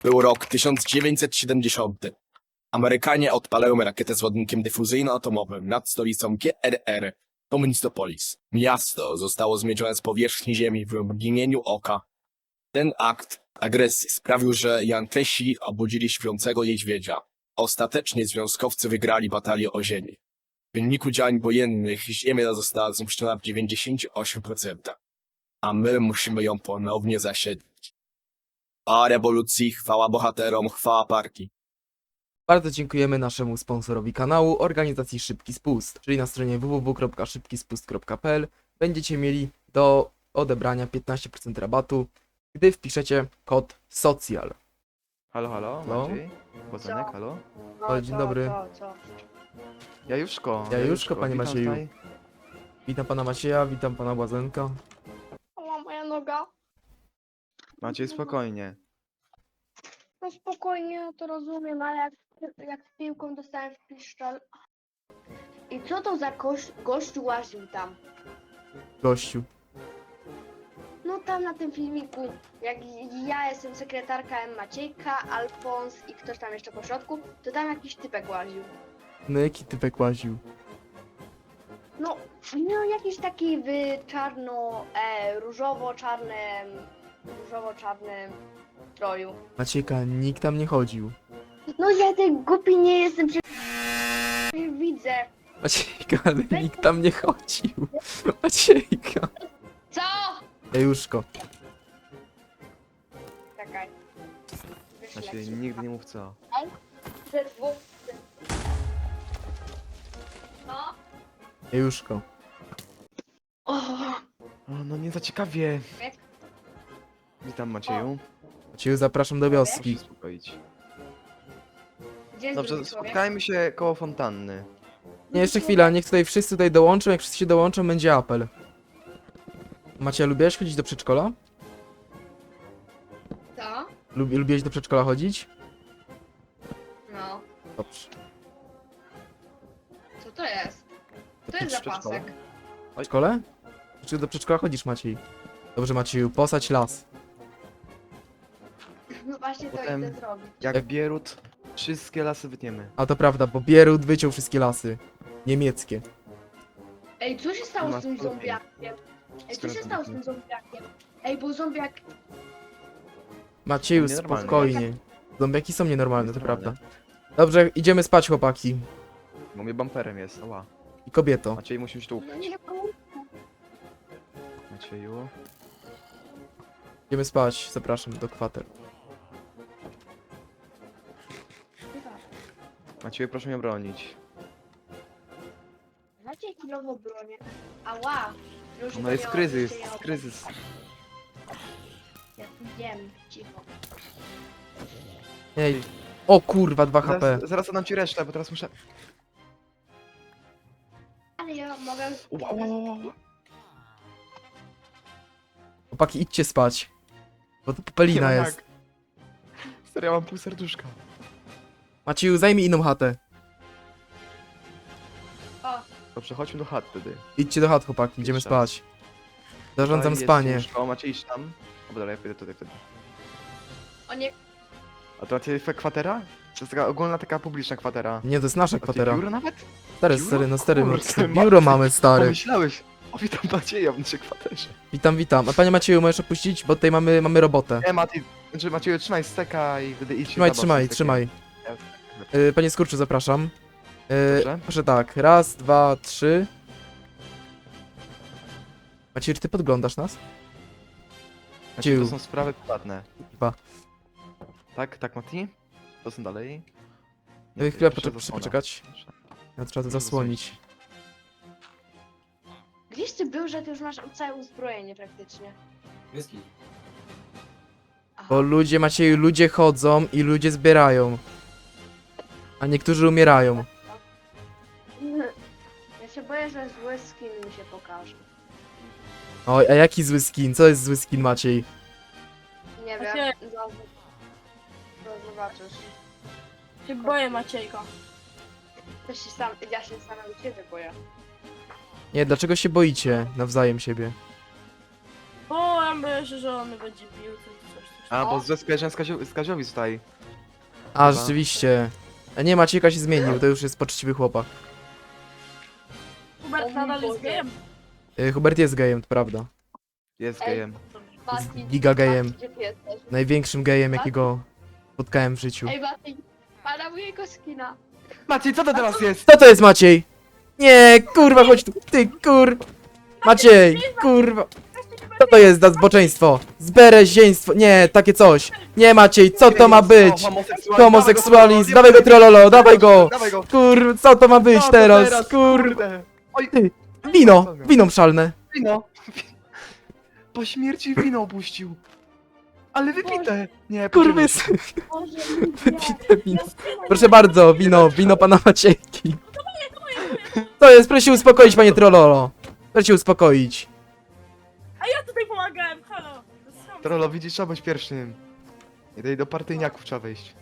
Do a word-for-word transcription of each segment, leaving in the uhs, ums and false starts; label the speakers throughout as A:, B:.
A: Był rok tysiąc dziewięćset siedemdziesiąty. Amerykanie odpalają rakietę z ładunkiem dyfuzyjno-atomowym nad stolicą G R R, Tomistopolis. Miasto zostało zmiecione z powierzchni ziemi w mgnieniu oka. Ten akt agresji sprawił, że Jankesi obudzili śpiącego niedźwiedzia. Ostatecznie związkowcy wygrali batalię o ziemię. W wyniku działań wojennych ziemia została zniszczona w dziewięćdziesięciu ośmiu procentach. A my musimy ją ponownie zasiedlić. Chwała rewolucji, chwała bohaterom, chwała partii.
B: Bardzo dziękujemy naszemu sponsorowi kanału, organizacji Szybki Spust, czyli na stronie w w w kropka szybki spust kropka p l będziecie mieli do odebrania piętnaście procent rabatu, gdy wpiszecie kod SOCJAL.
C: Halo, halo,
B: No.
C: Maciej? Bozanek,
D: Co?
C: halo?
D: No,
B: O, dzień
D: co,
B: dobry.
D: Co, co?
C: Jajuszko.
B: Jajuszko, panie
C: witam
B: Macieju.
C: tutaj.
B: Witam pana Macieja, witam pana Błazenka.
D: O, moja noga.
C: Maciej, spokojnie.
D: No spokojnie, no to rozumiem, ale jak, jak z piłką dostałem w piszczel. I co to za gość, gościu łaził tam?
B: Gościu.
D: No tam na tym filmiku, jak ja jestem sekretarka M. Maciejka, Alfons i ktoś tam jeszcze po środku, to tam jakiś typek łaził.
B: No jaki typek łaził?
D: No, no jakiś taki w czarno, e, różowo-czarnym, różowo-czarnym stroju.
B: Maciejka, nikt tam nie chodził.
D: No ja ten głupi nie jestem, przecież widzę.
B: Maciejka, ale nikt tam nie chodził. Maciejka.
D: Co?
B: Jajuszko.
D: Czekaj. Wyślę
C: Maciej,
D: ci.
C: nigdy nie mów co.
D: Ze dwóch. No.
B: Jajuszko.
D: O,
C: O, no nie za ciekawie.
D: Jak?
C: Witam, Macieju.
B: Macieju, zapraszam do
C: Proszę
B: wioski.
C: się uspokoić.
D: gdzie jest
C: Dobrze,
D: drugi człowiek?
C: spotkajmy się koło fontanny.
B: Nie, jeszcze chwila, niech tutaj wszyscy tutaj dołączą, jak wszyscy się dołączą, będzie apel. Macie, lubiłeś chodzić do przedszkola?
D: Co?
B: Lub, lubiłeś do przedszkola chodzić?
D: No.
B: Dobrze.
D: Co to jest?
B: Do
D: To jest za
C: przedszkola?
D: pasek.
B: W przedszkole? Czy do przedszkola chodzisz, Maciej? Dobrze, Macieju, posadź las.
D: No właśnie to
C: Potem-
D: idę zrobić.
C: Jak
B: Jak-
C: Bierut, wszystkie lasy wytniemy.
B: A to prawda, bo Bierut wyciął wszystkie lasy. Niemieckie.
D: Ej, co się stało
C: Ma
D: z tym
C: spokój.
D: zombiakiem? Ej, co
C: Skoro
D: się
C: to
D: stało z
C: wytnę.
D: tym zombiakiem? Ej, bo zombiak...
B: Macieju,
C: Nienormalne.
B: spokojnie. Zombiaki są nienormalne, to
C: Nienormalne.
B: prawda. Dobrze, idziemy spać, chłopaki.
C: Bo mnie bumperem jest, ała.
B: I kobieto.
C: Maciej, musimy się tu
D: No nie
C: Macieju.
B: Idziemy spać, zapraszam do kwater.
C: Macieju, proszę mnie bronić.
D: Macie chwilową bronię. Ała! Już
C: No jest
D: bronią,
C: kryzys,
D: się nie odda-
C: kryzys.
D: Ja wiem, cicho.
B: Ej. O kurwa, dwa H P.
C: Zaraz, zaraz oddam ci resztę, bo teraz muszę...
D: Ale ja mogę...
C: Ła, ła, ła, ła.
B: Chłopaki, idźcie spać. Bo to popelina
C: Nie ma
B: jest.
C: jak. Serio, ja mam pół serduszka.
B: Macieju, zajmij inną chatę.
D: O,
C: Dobrze, chodźmy do chat wtedy.
B: Idźcie do chat, chłopaki, idziemy
C: Idź tam.
B: spać. Zarządzam
C: Tutaj jest
B: spanie.
C: łóżko. Macie iść tam? O, dobra, ja pójdę tutaj wtedy.
D: o nie...
C: A to macie fe- kwatera? To jest taka ogólna, taka publiczna kwatera.
B: Nie, to jest nasza
C: A ty
B: kwatera.
C: biuro nawet?
B: Stary,
C: biuro?
B: stary, no stary, no,
C: Kurde,
B: biuro
C: Maciej,
B: mamy, stary.
C: Pomyślałeś. O, witam Macieja w naszej kwaterze.
B: Witam, witam. A panie Macieju, możesz opuścić, bo tutaj mamy, mamy robotę.
C: Nie, Mati, znaczy Macieju, trzymaj steka i wtedy idź się
B: Trzymaj,
C: zabaw
B: trzymaj,
C: z stekiem.
B: trzymaj.
C: Ja-
B: Yy, panie Skurczu, zapraszam. Yy,
C: Dobrze.
B: proszę tak, raz, dwa, trzy. Macieju, czy ty podglądasz nas?
C: Macieju, to
B: Ciu.
C: są sprawy prywatne.
B: Chyba.
C: Tak, tak, Mati? To są dalej?
B: Yy, chwilę,
C: proszę
B: poczek- proszę
C: zasłona.
B: poczekać. Ja trzeba to zasłonić.
D: Gdzieś ty był, że ty już masz całe uzbrojenie praktycznie. Aha.
B: Bo ludzie, Macieju, ludzie chodzą i ludzie zbierają. A niektórzy umierają.
D: Ja się boję, że zły skin mi się pokaże.
B: Oj, a jaki zły skin? Co jest zły skin, Maciej?
D: Nie
E: Maciej.
D: wiem, zaraz zaraz zobaczysz.
E: Się boję Maciejka.
D: To się sam, ja się samego ciebie boję.
B: Nie, dlaczego się boicie nawzajem siebie?
E: Bo Tam myślę, że on będzie pił, coś, coś, coś.
C: A, bo ze skojarzenia z, Kazio, z Kaziowi tutaj.
B: A,
C: Chyba.
B: rzeczywiście. A nie, Maciejka się zmienił, to już jest poczciwy chłopak.
E: Hubert nadal jest gejem.
B: Y, Hubert jest gejem, to prawda.
C: Jest
D: Ej.
C: gejem.
D: Mati,
B: giga gejem.
D: Mati, gdzie ty jesteś?
B: Największym gejem, jakiego spotkałem w życiu.
D: Ej, Mati, pana mojego skina.
C: Maciej, co to teraz jest?
B: Co to jest, Maciej? Nie, kurwa, chodź tu. Ty, kur... Maciej, kurwa. Co to jest za zboczeństwo? Zbereźieństwo. Nie, takie coś. Nie, Maciej, co to ma być? Homoseksualizm, dawaj go, trololo, dawaj go.
C: Dawaj go.
B: Kur... Co to ma być
C: Co to
B: teraz? Kur...
C: Kurde. Oj,
B: Ty, wino, wino mszalne.
C: wino. Po śmierci wino opuścił. Ale wypite. Nie,
B: Kurwy,
C: podzielił się.
D: Boże,
B: wypite wino. Proszę bardzo, wino, wino pana Maciejki. To jest, proszę się uspokoić, panie trololo. Proszę się uspokoić.
E: A ja tutaj pomagałem, halo. To jest sam-
C: Trollo, widzisz, trzeba być pierwszym. Nie daj do partyjniaków trzeba wejść.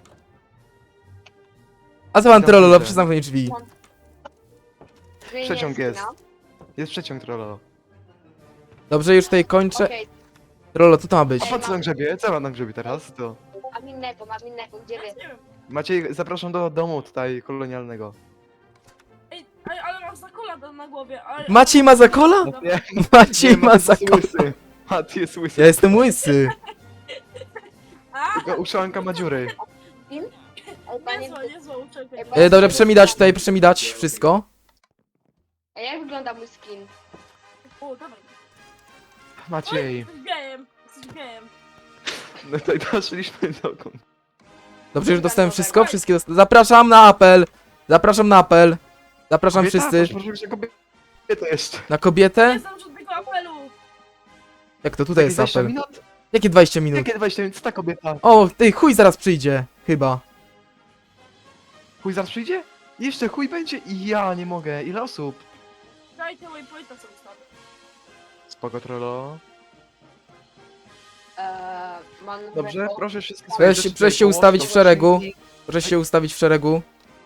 B: A co pan
C: Ja
B: trololo,
C: widzę.
B: proszę zamknąć drzwi.
D: zmienię
C: Przeciąg
D: skina.
C: jest. Jest przeciąg, Trollo.
B: Dobrze, już tutaj kończę.
D: Okej,
B: Trololo, co to ma być?
C: A po co na grzebie? Co ma na grzebie teraz? To.
D: mam innego, mam innego, gdzie wy?
E: Ja nie wiem.
C: Maciej, zapraszam do domu tutaj kolonialnego.
E: Ej, ej, ale mam zakola na- na głowie. Ale...
B: Maciej ma zakola?
C: Nie,
B: Maciej
C: nie,
B: ma
C: Maciej jest
B: zakola.
C: łysy. Maciej jest łysy.
B: Ja jestem łysy.
E: A,
C: Tylko uszanka ma dziury.
D: Ej, panie,
E: niezła, niezła uczepia.
D: Ej,
B: E, dobrze, proszę mi dać tutaj, proszę mi dać wszystko.
D: a jak wygląda mój skin?
E: O, dawaj.
C: Maciej.
E: Jesteś gejem, jesteś gejem.
C: No tutaj doszliśmy dokąd.
B: Dobrze, już dostałem wszystko, wszystkie dosta- Zapraszam na apel. Zapraszam na apel. Zapraszam
C: Kobieta?
B: wszyscy.
C: Proszę, proszę, kobietę jeszcze.
B: Na kobietę?
E: Nie znam żadnego apelu.
B: Jak to tutaj jest
C: dwadzieścia
B: apel?
C: minut?
B: Jakie dwadzieścia minut?
C: Jakie dwadzieścia minut? Co ta kobieta?
B: O, ty, chuj zaraz przyjdzie. Chyba.
C: Chuj zaraz przyjdzie? Jeszcze chuj będzie i ja nie mogę. Ile osób?
E: Daj te waypointa co ustawię.
C: Spoko, Trollo.
D: Eee, mam
C: Dobrze,
D: nowego-
C: proszę wszystkie
B: Proszę
C: swoje
B: się-
C: rzeczy
B: proszę się
C: tutaj
B: ustawić
C: połóż
B: w
C: do
B: szeregu.
C: skrzynki.
B: Proszę się ustawić w szeregu.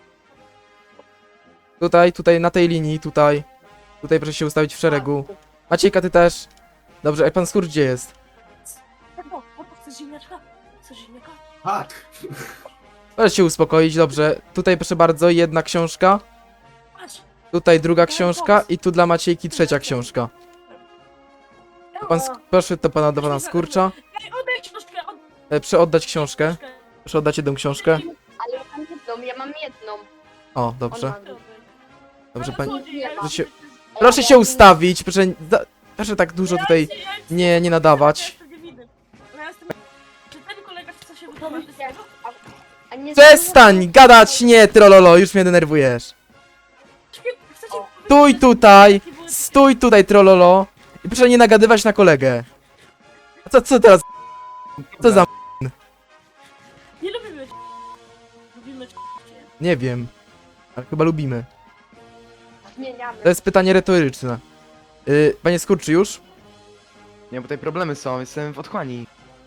B: Tutaj, tutaj, na tej linii, tutaj. Tutaj proszę się ustawić w szeregu. Maciejka, ty też. Dobrze, a pan Skur gdzie jest?
E: O, o, chcesz ziemniaczka? Chcesz ziemniaka?
A: Tak.
B: Proszę się uspokoić, dobrze. Tutaj proszę bardzo, jedna książka.
E: Patrz.
B: Tutaj druga książka i tu dla Maciejki trzecia książka. Pan, Sk- proszę to pana do pana Skurcza.
E: Ej, oddaj książkę, oddaj
B: E, proszę oddać książkę.
E: książkę.
B: Proszę oddać jedną książkę.
D: Ale ja mam jedną, ja mam jedną.
B: O, dobrze.
D: On ma-
B: Dobrze,
E: Ale
B: pani.
E: złodziej, ja
B: Proszę się-
E: mam-
B: Proszę się ustawić, proszę. za- Proszę tak dużo
E: Ja
B: tutaj
E: jestem- ja jestem-
B: nie, nie nadawać.
E: Ja jestem niewinny. Ja jestem- Czy ten kolega chce się wytłumaczyć z tego?
D: A nie
B: Przestań gadać, nie, trololo, już mnie denerwujesz.
E: Chcecie
D: O.
B: Stój
E: powiedzieć,
B: tutaj,
E: jaki był-
B: stój tutaj, trololo. I proszę nie nagadywać na kolegę. A co, co teraz? Co za...
E: Nie lubimy cię. Lubimy cię.
B: Nie wiem. Ale chyba lubimy.
D: Zmieniamy.
B: To jest pytanie retoryczne. Yy, panie Skurczy, już?
C: Nie, bo tutaj problemy są, jestem w otchłani.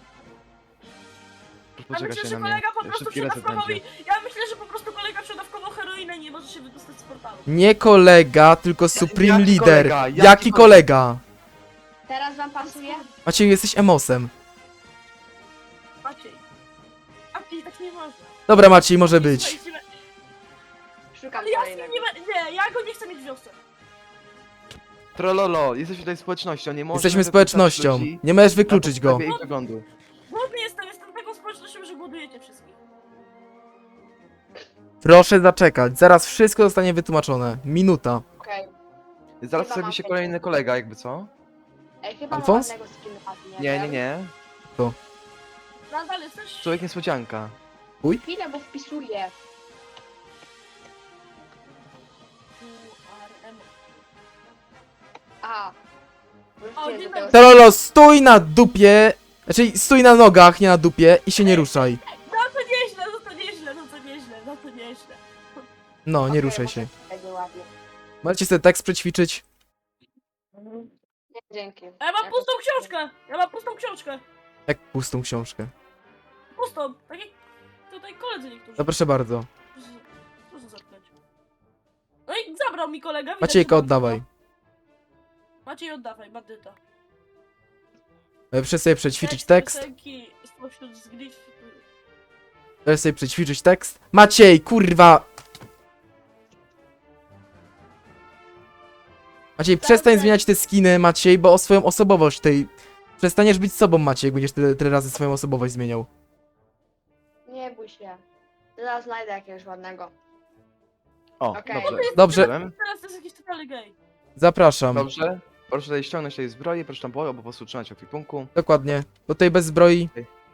C: Proszę
E: Ja
C: poczekać
E: myślę,
C: się
E: że
C: na mnie.
E: kolega po prostu
C: Szybki reset
E: przedawkował
C: będzie.
E: i... Ja myślę, że po prostu kolega przedawkował heroinę i nie może się wydostać z portalu.
B: Nie kolega, tylko Supreme
C: Jaki
B: Leader.
C: kolega?
B: Jaki,
C: Jaki
B: kolega?
D: Teraz wam pasuje?
B: Maciej, jesteś emosem.
E: Maciej. Maciej, tak nie można.
B: Dobra, Maciej, może być.
E: Słuchajcie,
D: Szukam
E: ale ja z nim
D: kolejnego.
E: nie, be- nie, ja go nie chcę mieć w wiosce.
C: Trollolo, jesteśmy tutaj społecznością, nie można...
B: Jesteśmy
C: wypuszczać
B: społecznością.
C: ludzi
B: Nie możesz
C: na
B: wykluczyć go.
C: podstawie ich wyglądu.
E: Głodny jestem, jestem taką społecznością, że głodujecie wszystkich.
B: Proszę zaczekać, zaraz wszystko zostanie wytłumaczone. Minuta.
D: Okej.
C: Zaraz
D: Chyba
C: pojawi
D: mam
C: się
D: tego.
C: kolejny kolega, jakby co?
D: Ej, chyba mam
B: Alfons?
D: ładnego skina, Mati,
C: Nie, nie,
D: wiem.
C: nie.
E: Nadal jesteś...
C: Człowiek niespodzianka.
D: Chwilę, bo wpisuję.
E: U R M.
D: A.
E: O,
D: Wróciłem
E: dzień
D: do tego.
E: dobry.
B: Trololo, stój na dupie. Znaczy, stój na nogach, nie na dupie i się nie ruszaj.
E: No to nieźle, no to nieźle, no to nieźle, no to nieźle.
B: No, nie
D: Okej,
B: ruszaj
D: bo
B: się.
D: to będzie ładnie.
B: Możecie sobie tekst przećwiczyć.
D: Mhm. Nie, dzięki.
E: A ja mam
D: Ja
E: pustą
D: to-
E: książkę! Ja mam pustą książkę!
B: Jak pustą książkę.
E: Pustą, tak jak tutaj koledzy niektórzy.
B: No proszę bardzo.
E: Proszę zamknąć. No i zabrał mi kolega. widać,
B: Maciejka,
E: że mam
B: oddawaj.
E: wszystko. Maciej, oddawaj, bandyta.
B: E, Proszę sobie przećwiczyć
E: Tekst
B: tekst.
E: piosenki spośród zgryw...
B: Proszę sobie przećwiczyć tekst. Maciej, kurwa! Maciej, przestań zmieniać te skiny, Maciej, bo o swoją osobowość tej... Przestaniesz być sobą, Maciej, jak będziesz tyle, tyle razy swoją osobowość zmieniał.
D: Nie bój się. Zaraz znajdę jakiegoś ładnego.
C: O,
D: Okej.
C: dobrze.
B: Dobrze,
C: Byłem.
E: Teraz to jest jakiś totalny gej.
B: zapraszam.
C: Dobrze. Proszę tutaj ściągnąć tej zbroi, proszę tam było, albo po prostu trzymać ekwipunku.
B: Dokładnie. Bo tutaj bez zbroi.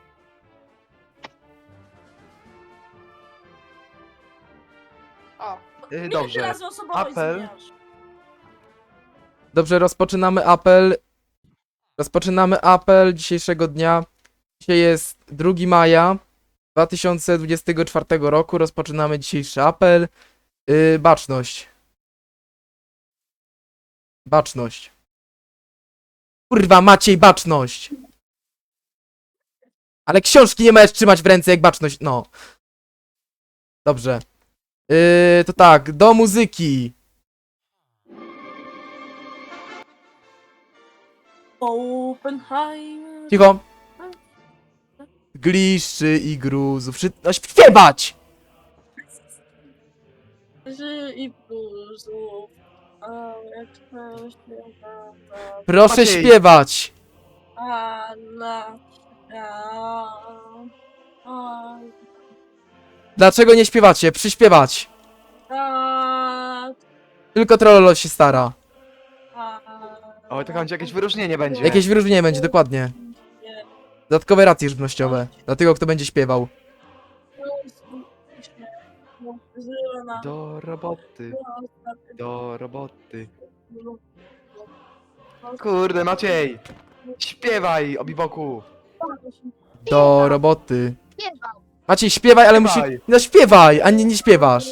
D: O,
C: Yy,
E: Ile ty
C: dobrze.
E: razy osobowość
C: Apel.
E: zmieniasz?
B: Dobrze, rozpoczynamy apel. Rozpoczynamy apel dzisiejszego dnia. Dzisiaj jest drugiego maja dwa tysiące dwudziestego czwartego roku. Rozpoczynamy dzisiejszy apel. Yy, baczność. Baczność. Kurwa, Maciej, baczność! Ale książki nie możesz trzymać w ręce jak baczność, no. Dobrze. Yy, to tak, do muzyki.
E: Oppenheimer.
B: Cicho. Gliszczy i gruzów. Wszy... No, śpiewać!
E: Ży i bluzu. A jak to śpiewa.
B: Proszę
C: Maciej.
B: śpiewać!
E: A na. A. A.
B: Dlaczego nie śpiewacie? Przyśpiewać!
E: A.
B: Tylko Trollolo się stara.
E: A.
C: O, to będzie jakieś wyróżnienie będzie.
B: Jakieś wyróżnienie będzie, dokładnie.
E: Nie.
B: Dodatkowe racje żywnościowe. Dla tego, kto będzie śpiewał.
C: Do roboty, do roboty. Kurde, Maciej! Śpiewaj, obiboku!
B: Do roboty.
D: śpiewał.
B: Maciej, śpiewaj, ale musi...
C: Śpiewaj.
B: No śpiewaj, a nie, nie śpiewasz.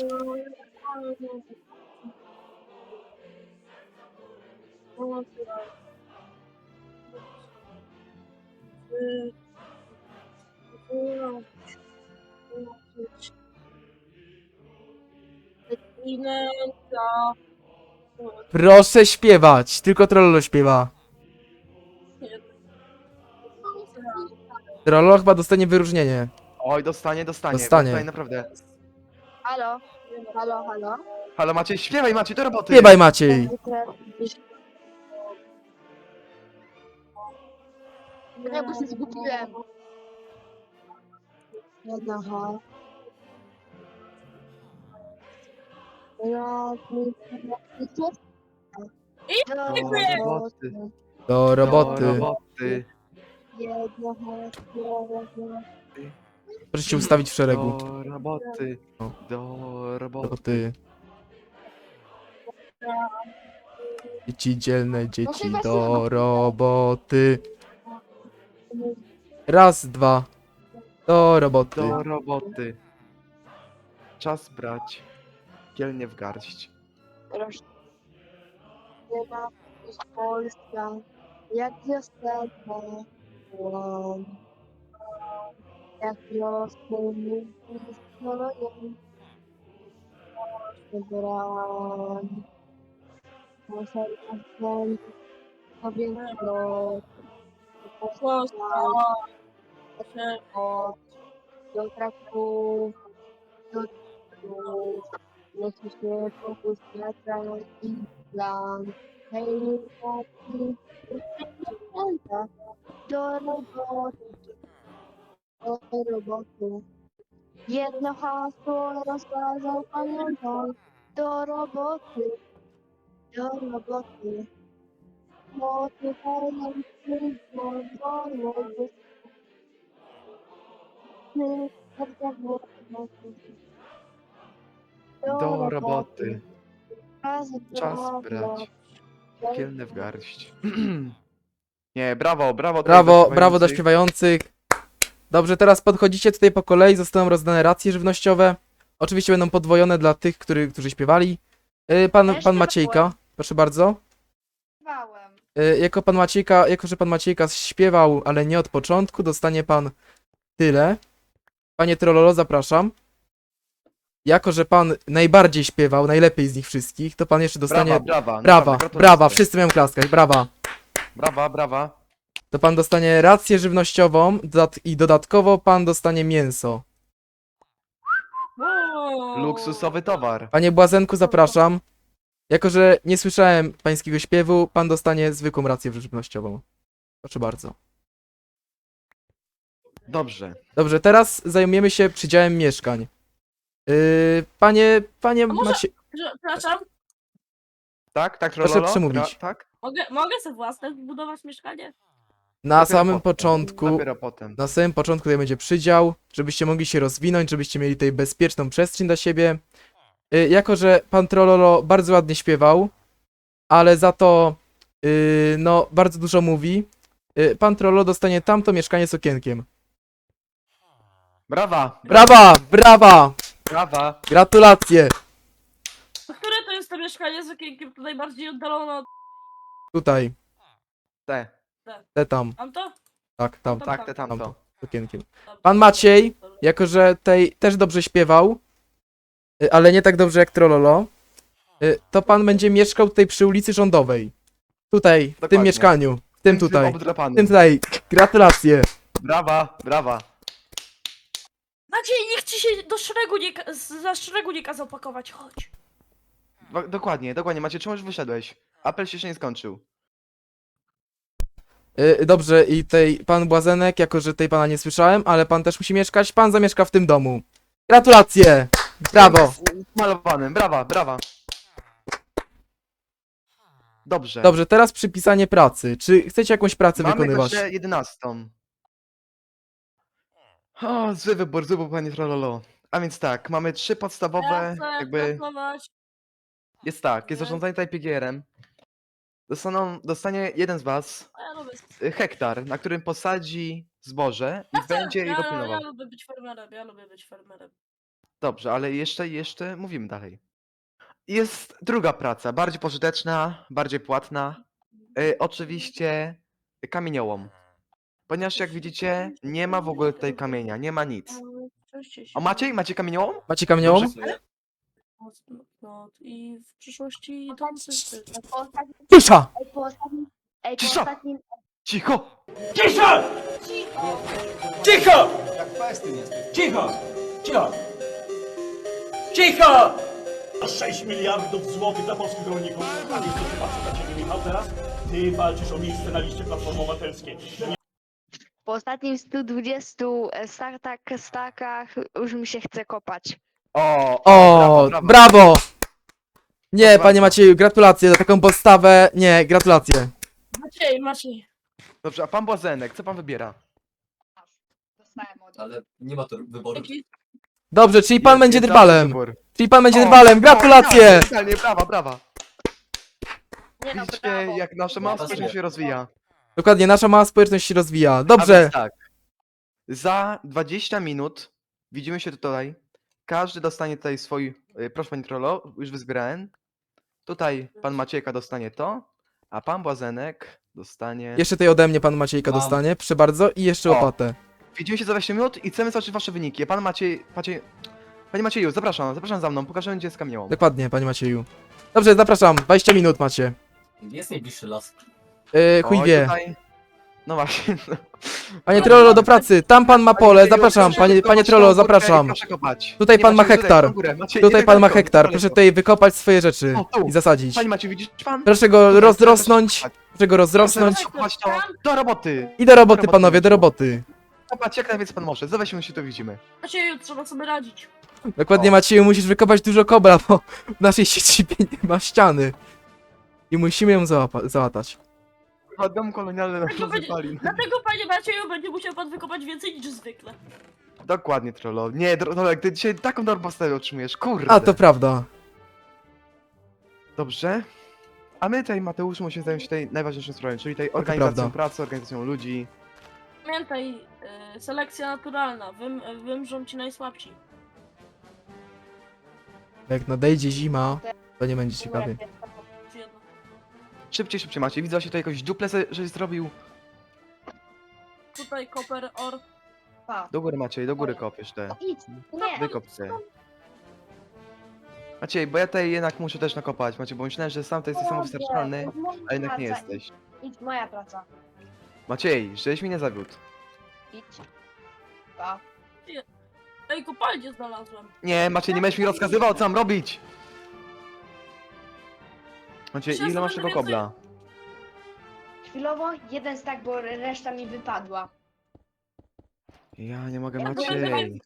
B: Proszę śpiewać. Tylko Trollolo śpiewa. Trollolo chyba dostanie wyróżnienie.
C: Oj, dostanie, dostanie.
B: Dostanie.
C: Dostanie, naprawdę.
D: Halo? Halo, halo?
C: Halo Maciej, śpiewaj Maciej, do roboty!
B: Śpiewaj, Maciej.
D: Ja bo się zgubiłem. Aha.
C: Do
E: Dziękuję.
C: roboty,
B: Do roboty.
C: do roboty,
B: Proszę się ustawić w szeregu.
C: do roboty,
B: O.
C: do roboty.
B: Roboty. Dzieci dzielne, dzieci do roboty. Raz, dwa. Do roboty.
C: Do roboty. Czas brać. Kielnie w garść.
D: z Polska, jak wiosenna, jak wiosną strojem, wybrałem, muszę na powietrzu, do traków, do traków, jeśli się fokus lecę i plan, hej, chłopaki, do roboty, do roboty. Jedno hasło rozkazał pamiętaj, do roboty, do roboty. Mocy pełen wszystko, do roboty.
C: Do roboty.
D: Czas
C: Czas brać. Kielnie w garść. Nie, brawo, brawo. tutaj
B: Brawo,
C: do
B: brawo dla
C: śpiewających.
B: śpiewających. Dobrze, teraz podchodzicie tutaj po kolei, zostaną rozdane racje żywnościowe. Oczywiście będą podwojone dla tych, który, którzy śpiewali. Yy, Pan,
D: Też
B: pan Maciejka,
D: śpiewałem.
B: proszę bardzo.
D: Śpiewałem.
B: Yy, Jako pan Maciejka, jako że pan Maciejka śpiewał, ale nie od początku, dostanie pan tyle. Panie Trollolo, zapraszam. Jako że pan najbardziej śpiewał, najlepiej z nich wszystkich, to pan jeszcze dostanie...
C: Brawa, brawa.
B: Brawa,
C: naprawdę,
B: brawa,
C: gratulacje.
B: wszyscy mają klaskać, brawa.
C: Brawa, brawa.
B: to pan dostanie rację żywnościową dodat i dodatkowo pan dostanie mięso.
E: Wow.
C: Luksusowy towar.
B: Panie Błazenku, zapraszam. Jako że nie słyszałem pańskiego śpiewu, pan dostanie zwykłą rację żywnościową. Proszę bardzo.
C: Dobrze.
B: Dobrze, teraz zajmiemy się przydziałem mieszkań. Yy, panie, panie
E: A może-
B: Macie...
E: Że- Przepraszam,
C: Tak, tak,
B: Proszę
C: Trololo?
B: przemówić.
C: Tra- Tak?
E: mogę, mogę sobie własne zbudować mieszkanie?
B: Na
C: Dopiero
B: samym
C: potem.
B: początku,
C: Dopiero potem.
B: na samym początku tutaj będzie przydział, żebyście mogli się rozwinąć, żebyście mieli tutaj bezpieczną przestrzeń dla siebie. Yy, jako, że pan Trololo bardzo ładnie śpiewał, ale za to, yy, no, bardzo dużo mówi, yy, pan Trololo dostanie tamto mieszkanie z okienkiem.
C: Brawa!
B: Brawa, brawa,
C: Brawa!
B: gratulacje.
E: To które to jest to mieszkanie z okienkiem tutaj bardziej oddalone od...
B: Tutaj,
C: Te.
B: te tam,
E: Mam to?
B: tak, tam,
E: Tam,
C: Tak, te tamto.
B: tamto, z okienkiem.
E: Dobra.
B: Pan Maciej, jako że tej też dobrze śpiewał, y, ale nie tak dobrze jak Trololo, y, to pan będzie mieszkał tutaj przy ulicy Rządowej. Tutaj, w tym
C: Dokładnie.
B: mieszkaniu, w tym
C: Tym
B: tutaj, w
C: obdrapanym.
B: tym tutaj. Gratulacje.
C: Brawa, brawa.
E: Maciej, niech ci się do szeregu nie, ka- z- za szeregu nie kazał pakować, chodź.
C: Wa- Dokładnie, dokładnie. Macie, czemu już wyszedłeś? Apel się jeszcze nie skończył.
B: Y, Dobrze, i tej pan Błazenek, jako że tej pana nie słyszałem, ale pan też musi mieszkać, pan zamieszka w tym domu. Gratulacje. Brawo.
C: Malowanym, brawa, brawa. Dobrze.
B: Dobrze, teraz przypisanie pracy. Czy chcecie jakąś pracę
C: Mamy
B: wykonywać?
C: jeszcze jedenastą. O, zły wybór, zły wybór, panie Trololo. A więc tak, mamy trzy podstawowe,
E: Ja chcę
C: jakby...
E: pracować.
C: Jest tak, jest
E: Nie.
C: zarządzanie tutaj P G R-em. Dostaną, dostanie jeden z was
E: A ja lubię...
C: y, hektar, na którym posadzi zboże i
E: Ja chcę,
C: będzie jego
E: ja,
C: pilnował.
E: ja lubię być farmerem, ja lubię być farmerem.
C: Dobrze, ale jeszcze, jeszcze mówimy dalej. Jest druga praca, bardziej pożyteczna, bardziej płatna. Y, oczywiście kamieniołom. Ponieważ jak widzicie, nie ma w ogóle tutaj kamienia, nie ma nic. O, Maciej? Macie kamieniołom?
B: Macie kamieniołom?
C: Dobrze.
E: No, i w przyszłości to
D: Po ostatnim,
B: Cisza!
D: ej, po ostatnim, ej, po
C: Cisza!
D: ostatnim,
C: Cicho!
F: Cicho! Cicho! Cicho! Cicho! Cicho! sześć miliardów złotych dla polskich rolników. A więc to się patrzy na ciebie, Michał, teraz? Ty walczysz o miejsce na liście Platformy Obywatelskiej.
D: po ostatnim stu dwudziestu startach, starkach już mi się chce kopać.
C: O,
B: O,
C: brawo, brawo.
B: brawo! Nie,
C: Brawo.
B: panie Macieju, gratulacje za taką postawę. Nie, gratulacje.
E: Maciej, Maciej.
C: Dobrze, a pan Błazenek, co pan wybiera?
D: Dostałem od
G: Ale nie ma tu wyboru.
E: Dzięki.
B: Dobrze, czyli pan
C: Jest-
B: będzie
C: jest
B: drwalem.
C: wybór.
B: Czyli pan będzie
C: O,
B: drwalem.
C: o,
B: Gratulacje!
C: idealnie, idealnie, brawa, brawa.
D: Nie no,
C: Widzicie,
D: brawo.
C: jak nasze małe
G: Brawo.
C: społeczeństwo się rozwija.
B: Dokładnie, nasza mała społeczność się rozwija.
C: A
B: Dobrze.
C: więc tak. Za dwadzieścia minut widzimy się tutaj. Każdy dostanie tutaj swój. y, Proszę pani Trollo, już wyzbierałem. Tutaj pan Maciejka dostanie to, a pan Błazenek dostanie.
B: Jeszcze tej ode mnie pan Maciejka
G: Mam.
B: dostanie. Proszę bardzo. I jeszcze
C: O.
B: łopatę.
C: Widzimy się za dwadzieścia minut i chcemy zobaczyć wasze wyniki. Pan Maciej. Maciej... Panie Macieju, zapraszam, zapraszam za mną, pokażemy gdzie jest kamieniołom.
B: Dokładnie, panie Macieju. Dobrze, zapraszam. dwadzieścia minut macie.
G: Jest najbliższy las.
B: Yy, chuj
C: Oj,
B: wie.
C: Tutaj... No właśnie.
B: Panie Trollo, do pracy. Tam pan ma pole. Zapraszam. Panie, panie Trollo, zapraszam.
C: Proszę kopać.
B: Tutaj
C: Nie,
B: pan ma
C: Macieju,
B: hektar.
C: Tutaj, na górę. Maciej,
B: Tutaj
C: nie
B: pan ma
C: daleko,
B: hektar.
C: daleko.
B: Proszę tutaj wykopać swoje rzeczy
C: O, tu.
B: i zasadzić.
C: Panie Maciej, widzisz pan?
B: Proszę go
C: Tutaj,
B: rozrosnąć.
C: proszę
B: Proszę go rozrosnąć.
C: Proszę kopać to. Do roboty.
B: I do roboty,
C: roboty,
B: panowie, do
C: Maciej.
B: roboty.
C: Kopać jak najwięcej pan może. Za weźmy się to widzimy.
E: Macieju, trzeba sobie radzić.
B: Dokładnie,
C: O.
B: Macieju, musisz wykopać dużo kobra, bo w naszej siedzibie nie ma ściany. I musimy ją załapa- załatać.
C: Chyba dom kolonialny na
E: Dlatego będzie-
C: rozpalin.
E: Dlatego, panie Macieju, będzie musiał pan wykopać więcej niż zwykle.
C: Dokładnie, trollo. Nie, Trollo, ty dzisiaj taką dorpostawę otrzymujesz, kurde.
B: A, to prawda.
C: Dobrze. A my tutaj, Mateusz, musimy zająć się tej najważniejszą sprawą, czyli tej organizacją
B: prawda.
C: pracy, organizacją ludzi.
E: Pamiętaj, y, selekcja naturalna, Wym, wymrzą ci najsłabsi.
B: Jak nadejdzie zima, to nie będzie ciekawie.
E: Czy jedno.
C: Szybciej, szybciej macie. Widzę właśnie tutaj jakąś duplę, se- żeś zrobił.
E: Tutaj koper, or.
D: Pa.
C: Do góry Maciej, do góry kopiesz te.
D: Idź, nie.
C: Wykop se. Maciej, bo ja tutaj jednak muszę też nakopać, Maciej, bo myślałem, że sam to jesteś samowystarczalny, a jednak nie jesteś.
D: Idź, moja praca.
C: Maciej, żeś mi nie zawiódł.
D: Idź. Pa.
E: Ej, kopalnię znalazłem.
C: Nie, Maciej, nie będziesz mi rozkazywał, co mam robić! Maciej,
E: Myślę,
C: ile
E: że
C: masz
E: będę
C: tego
E: więcej-
C: kobla?
D: Chwilowo jeden stack, bo reszta mi wypadła.
C: Ja nie mogę,
E: Ja to
C: Maciej.
E: będę-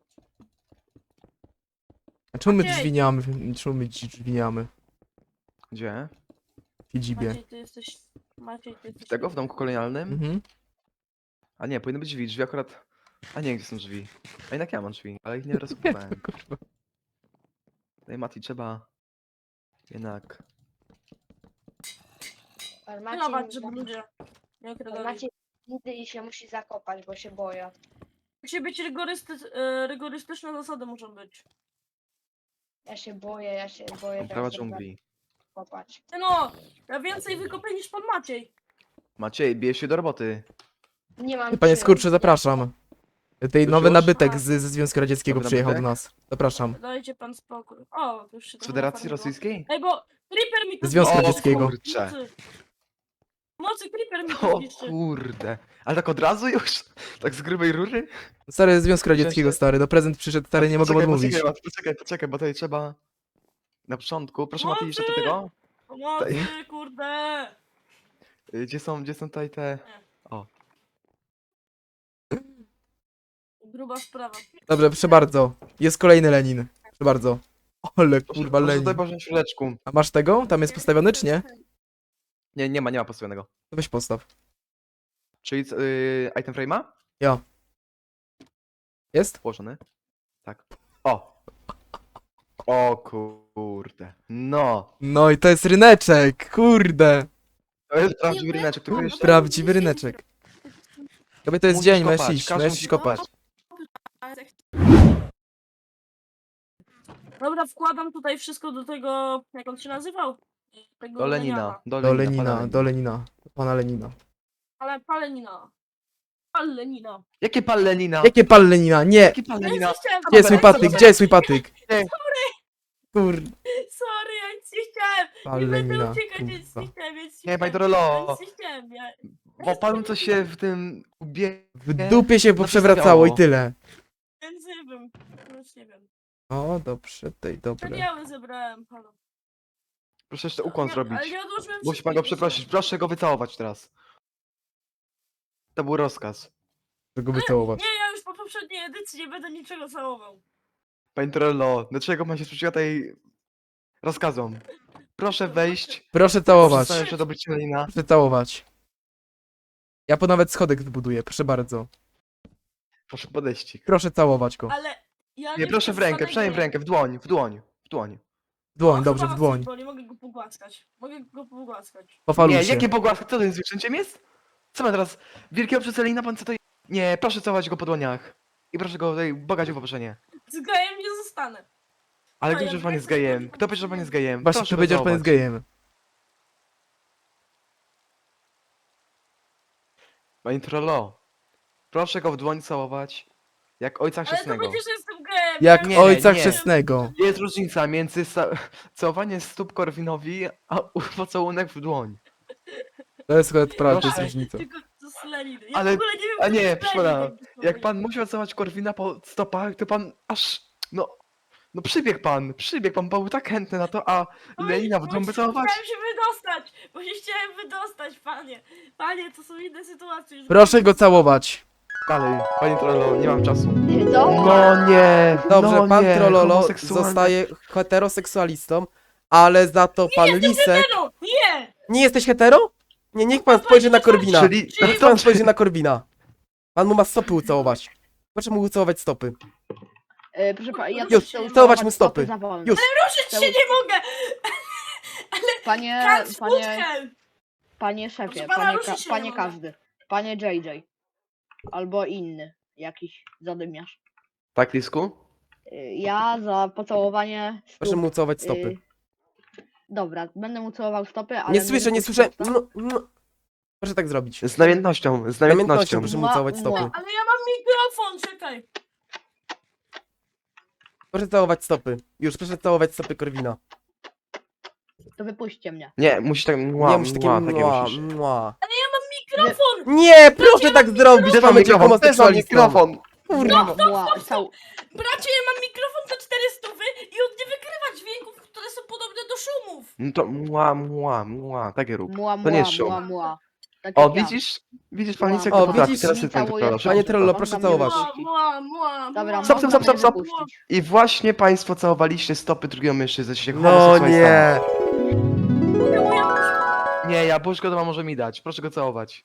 B: A czemu my
E: Maciej.
B: drzwi nie mamy? Czemu my dzi- drzwi nie mamy?
C: Gdzie?
B: W siedzibie.
E: Maciej, ty jesteś... Maciej, ty jesteś...
C: Tego w domku kolonialnym?
B: Mhm.
C: A nie, powinny być drzwi, drzwi akurat... A nie, gdzie są drzwi? A jednak ja mam drzwi, ale ich nie rozkupowałem.
B: Kurwa.
C: No i Mati, trzeba... Jednak...
D: Ale
E: Pilnować,
D: Maciej,
E: żeby ludzie nie
D: ale
E: okradali.
D: Maciej nigdy i się musi zakopać, bo się boję.
E: Musi być rygorysty... e, rygorystyczne zasady muszą być.
D: Ja się boję, ja się boję
C: Prawa
D: teraz
C: dżungli.
D: zakopać.
E: Ty no, ja więcej wykopię niż pan Maciej.
C: Maciej, bierz się do roboty.
D: Nie mam
B: Panie
D: czym.
B: Skurczy, zapraszam. Tej nowy
C: już?
B: nabytek z, ze Związku Radzieckiego
C: Nowy
B: przyjechał do
C: nabytek?
B: nas. Zapraszam.
E: Dajcie pan spokój. O, już się
C: Z
E: trochę
C: Federacji
E: nafarmiło.
C: Rosyjskiej?
E: Ej, bo Creeper mi tu
B: Związku
E: zniszczy.
B: Radzieckiego.
C: kurczę.
E: Mocy. Mocy Creeper mi tu
C: O
E: zniszczy.
C: kurde. Ale tak od razu już? Tak z grubej rury?
B: Stary ze Związku Radzieckiego,
C: Cześć.
B: stary. No prezent przyszedł, stary, nie mogę
C: Poczekaj,
B: odmówić.
C: Poczekaj, Mati, poczekaj, poczekaj, bo tutaj trzeba... Na początku, proszę Mati, jeszcze do
E: Mocy!
C: tego.
E: Pomocy, kurde.
C: Y, Gdzie są, gdzie są tutaj te...
E: Gruba sprawa.
B: Dobrze, proszę bardzo. Jest kolejny Lenin. Proszę bardzo. Ale
C: Proszę,
B: kurwa
C: proszę
B: Lenin.
C: tutaj położyć chwileczku.
B: A masz tego? Tam jest postawiony, czy nie?
C: Nie, nie ma, nie ma postawionego.
B: To weź postaw.
C: Czyli yy, item frame'a?
B: Ja. Jest?
C: Położony. Tak. O! O kurde. No!
B: No i to jest ryneczek, kurde.
C: To jest prawdziwy ryneczek, tylko jeszcze...
B: Prawdziwy ryneczek. Tobie to jest
C: Musisz
B: dzień,
C: kopać,
B: masz iść,
C: każdy
B: masz
C: musi
B: iść kopać.
E: Dobra, wkładam tutaj wszystko do tego, jak on się nazywał? Tego
C: Do
E: Leniana.
C: Lenina. Do
B: Do
C: Lenina. pana
B: Lenina, do Lenina. Do pana Lenina.
E: Ale palenina. Pal Lenina.
C: Jakie pal Lenina?
B: Jakie pal Lenina? Nie!
C: Jakie pal
E: Ja
C: Lenina?
E: nic nie chciałem.
B: Gdzie jest mój
C: Dobra,
B: patyk?
C: dobra.
B: Gdzie jest mój patyk? Kurde.
E: Sorry, ja nic nie chciałem.
B: Pal
E: Nie będę
B: Lenina,
E: uciekać, ja nic
B: kurwa.
E: nie chciałem, ja nic
C: Nie,
E: nie
C: panie
E: chciałem.
C: Dorolo.
E: Ja nic nie chciałem, ja...
C: Bo panu coś się w tym ubie...
B: W dupie się poprzewracało i tyle.
E: Więc nie wiem, już nie wiem.
B: O, dobrze, tej, dobre.
E: Przedziały zebrałem, halo.
C: Proszę jeszcze ukłon
E: Nie,
C: zrobić.
E: Ale nie odłożyłem
C: Musi pan go
E: wszystkiego.
C: przeprosić. Proszę go wycałować teraz. To był rozkaz.
B: Żeby go wycałować.
E: Nie, ja już po poprzedniej edycji nie będę niczego całował.
C: Panie Torello, dlaczego pan się sprzeciwia tej rozkazom? Proszę wejść.
B: Proszę
C: Proszę
B: całować.
C: stanąć przed obliczem Lenina.
B: Proszę całować. Ja po nawet schodek wybuduję, proszę bardzo.
C: Proszę podejść.
B: Proszę całować go.
E: Ale ja
C: Nie, proszę w rękę,
E: przestanę
C: przynajmniej w
E: grę.
C: rękę, w dłoń, w dłoń, w dłoń.
B: W dłoń,
E: O,
B: dobrze,
E: chyba
B: w dłoń.
E: Bo nie mogę go pogłaskać. Mogę go pogłaskać.
B: Pofaluj
C: Nie,
B: się.
C: jakie pogłaski? Co to jest zwierzęciem jest? Co ma teraz? Wielkiego przycelina pan co to jest? Nie, proszę całować go po dłoniach. I proszę go tutaj bogać o poproszenie.
E: Z gejem nie zostanę.
C: Ale
E: A,
C: kto
E: ja
C: powiedział, że pan
E: wiem,
C: jest
E: co
C: gejem?
E: chodzi.
C: Kto powiedział, że pan jest gejem?
B: Właśnie,
C: Proszę
B: ty
C: go
B: powiedział, że pan jest
C: całować.
B: gejem.
C: Panie Trollo, proszę go w dłoń całować. Jak ojca
E: Ale to
C: chrzestnego.
E: będzie, że jestem gejem.
B: Jak
C: Nie,
B: ojca
C: nie.
B: chrzestnego.
C: Jest różnica między ca całowaniem stóp Korwinowi, a pocałunek w dłoń.
B: To jest akurat prawda, to jest
C: Proszę.
B: różnica.
E: Tylko to z Leniny. Ja
C: Ale-
E: w ogóle nie wiem,
C: a
E: co
C: nie,
E: to jest
C: proszę pana,
E: Lenin.
C: Jak pan musiał całować Korwina po stopach, to pan aż, no, no przybiegł pan, przybiegł pan, był tak chętny na to, a
E: Oj,
C: Lenina w
E: bo
C: dłoń by
E: się-
C: całować?
E: Chciałem się wydostać, bo się chciałem wydostać, panie. Panie, to są inne sytuacje. już
B: Proszę go całować.
C: Dalej, panie Trollo, nie mam czasu.
D: Co?
C: No nie,
B: Dobrze,
C: no
B: pan
C: nie,
B: Trololo
C: homoseksualne-
B: zostaje heteroseksualistą, ale za to pan Lisek...
E: Hetero! Nie!
B: Nie jesteś hetero? Nie, niech pan spojrzy na Korwina.
C: Czyli,
B: Niech pan spojrzy na Korwina. Pan mu ma stopy ucałować. Proszę mu ucałować stopy.
D: E, proszę pana, ja
B: Już,
D: też chcę
B: całować mu stopy.
D: za wolno.
B: Już.
E: Ruszyć się nie mogę!
D: Panie,
E: Kac
D: panie,
E: Mutkel!
D: panie szefie,
E: Proszę pana,
D: panie,
E: ruszyć
D: ka
E: się
D: panie
E: nie mogę.
D: każdy, panie J J. Albo inny, jakiś zadymiarz.
C: Tak, Lisku?
D: E, Ja za pocałowanie stóp,
B: Proszę mu ucałować stopy.
D: y, dobra, będę mu całował stopy, ale...
B: Nie słyszę, nie słyszę.
D: dopuszczę-
B: No, no. Proszę tak zrobić.
C: Z namiętnością, z
B: Namiętnością
C: namiętnością.
B: proszę mu
D: Mua,
B: całować
D: mua.
B: stopy.
E: Ale ja mam mikrofon, czekaj.
B: Proszę całować stopy. Już, proszę całować stopy Korwina.
D: To wypuśćcie mnie.
C: Nie, musi tak, mua,
B: Nie, musi takie
C: mua, takie
B: mła,
C: musisz.
B: mła.
E: mikrofon!
B: Nie, proszę tak zrobić,
C: Gdzie mam
B: mamy cię
C: mikrofon? Też mam
B: homoseksualistą.
C: mikrofon!
B: Kurwa.
D: Mła, cał...
E: Bracie, ja mam mikrofon za cztery stówy i on nie wykrywa dźwięków, które są podobne do szumów.
C: No to mła, mła, mła, takie rób.
D: Mła,
C: To nie
D: mła,
C: jest show.
D: mła, mła. Tak
C: O,
D: jak ja.
C: widzisz? Widzisz, pan jak
B: O,
C: to potrafi,
B: widzisz?
C: teraz jest pan
D: Całuję
C: Trollo.
B: Panie Trollo,
D: Mam
B: proszę
D: tam
B: całować.
D: jedno-
E: Mła, mła, mła.
D: Dobra,
C: Stop, stop, stop, stop, stop.
D: można puścić.
C: I właśnie państwo całowaliście stopy drugiego mężczyzny, się
B: No
C: homoseksualistami.
B: nie.
E: Mogę moja
C: Nie, jabłuszko to ma może mi dać, proszę go całować.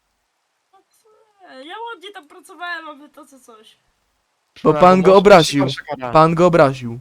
E: Ja ładnie tam pracowałem, a wy to co coś.
B: Bo pan go obraził. Pan go obraził.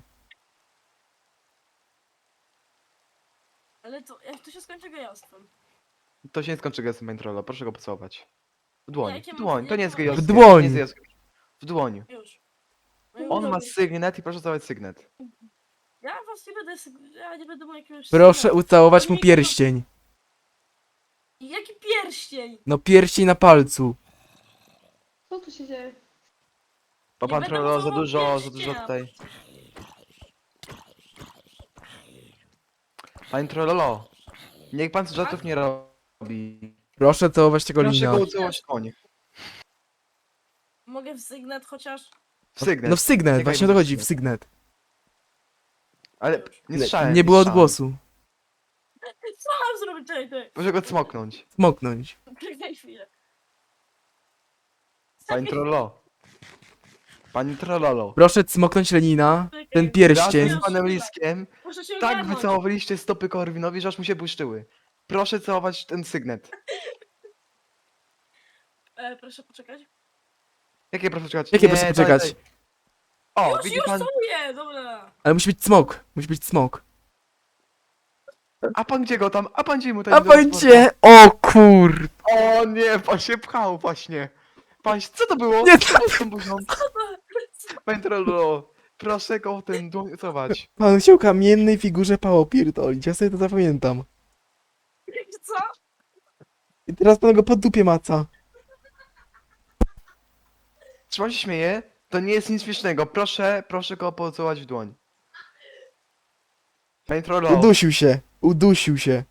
E: Ale to, jak to się skończy gejostwem?
C: To się nie skończy gestem, panie Trollo, proszę go pocałować. W dłoń,
E: Jakie
C: w
E: mam-
C: dłoń, to nie jest
E: jakie
C: gejowskie.
B: W dłoń.
C: to nie jest gejowskie. W dłoń.
E: Już.
C: On ma sygnet i proszę całować sygnet.
E: Ja was nie będę, syg- ja nie będę mu jakiegoś...
B: Proszę
E: sygnału.
B: ucałować mu
E: Nie,
B: pierścień.
E: Jaki pierścień?
B: No pierścień na palcu.
D: Co tu się dzieje?
C: Bo
E: Nie
C: pan
E: będę
C: Trollo za
E: całował
C: dużo, za dużo
E: pierścienia.
C: tutaj. Panie Trollo, niech pan żartów nie robi.
B: Proszę całować tego
C: Proszę
B: lina.
C: go ucałować w dłoń.
E: Mogę w sygnet chociaż?
C: W sygnet.
B: No w sygnet,
C: Czekaj,
B: właśnie o to
C: bo-
B: chodzi, w sygnet.
C: Ale nie słyszałem.
B: Nie było
C: słyszałem.
B: odgłosu.
E: Co mam zrobić? Czekaj, czekaj.
C: Proszę go cmoknąć.
B: Smoknąć.
E: Czekaj chwilę.
C: Panie Trollo. Panie Trollolo.
B: Proszę cmoknąć Lenina, ten
C: Razem
B: pierścień.
C: z panem Liskiem
E: Muszę się
C: tak
E: ogarnąć.
C: wycałowaliście stopy Korwinowi, że aż mu się błyszczyły. Proszę całować ten sygnet.
E: E, proszę poczekać.
C: Jakie proszę czekać?
B: Jakie
C: Nie,
B: proszę
C: daj,
B: poczekać?
C: daj. O,
E: Już,
C: widzi
E: już
C: pan.
E: całuję, dobra.
B: Ale musi być smok. Musi być smok.
C: A pan gdzie go tam? A pan gdzie mu ten
B: A pan gdzie? O kur...
C: O nie, pan się pchał właśnie. Pan się... Co to było?
B: Nie,
C: Co było z tą buzią? Panie Trollolo, proszę go ten dłoń całować.
B: Pan chciał kamiennej figurze pało pierdolić, ja sobie to zapamiętam.
E: Co?
B: I teraz pan go po dupie maca.
C: Czy pan się śmieje? To nie jest nic śmiesznego. Proszę, proszę go pocałować w dłoń. Panie Trollolo.
B: Udusił się. Udusił się.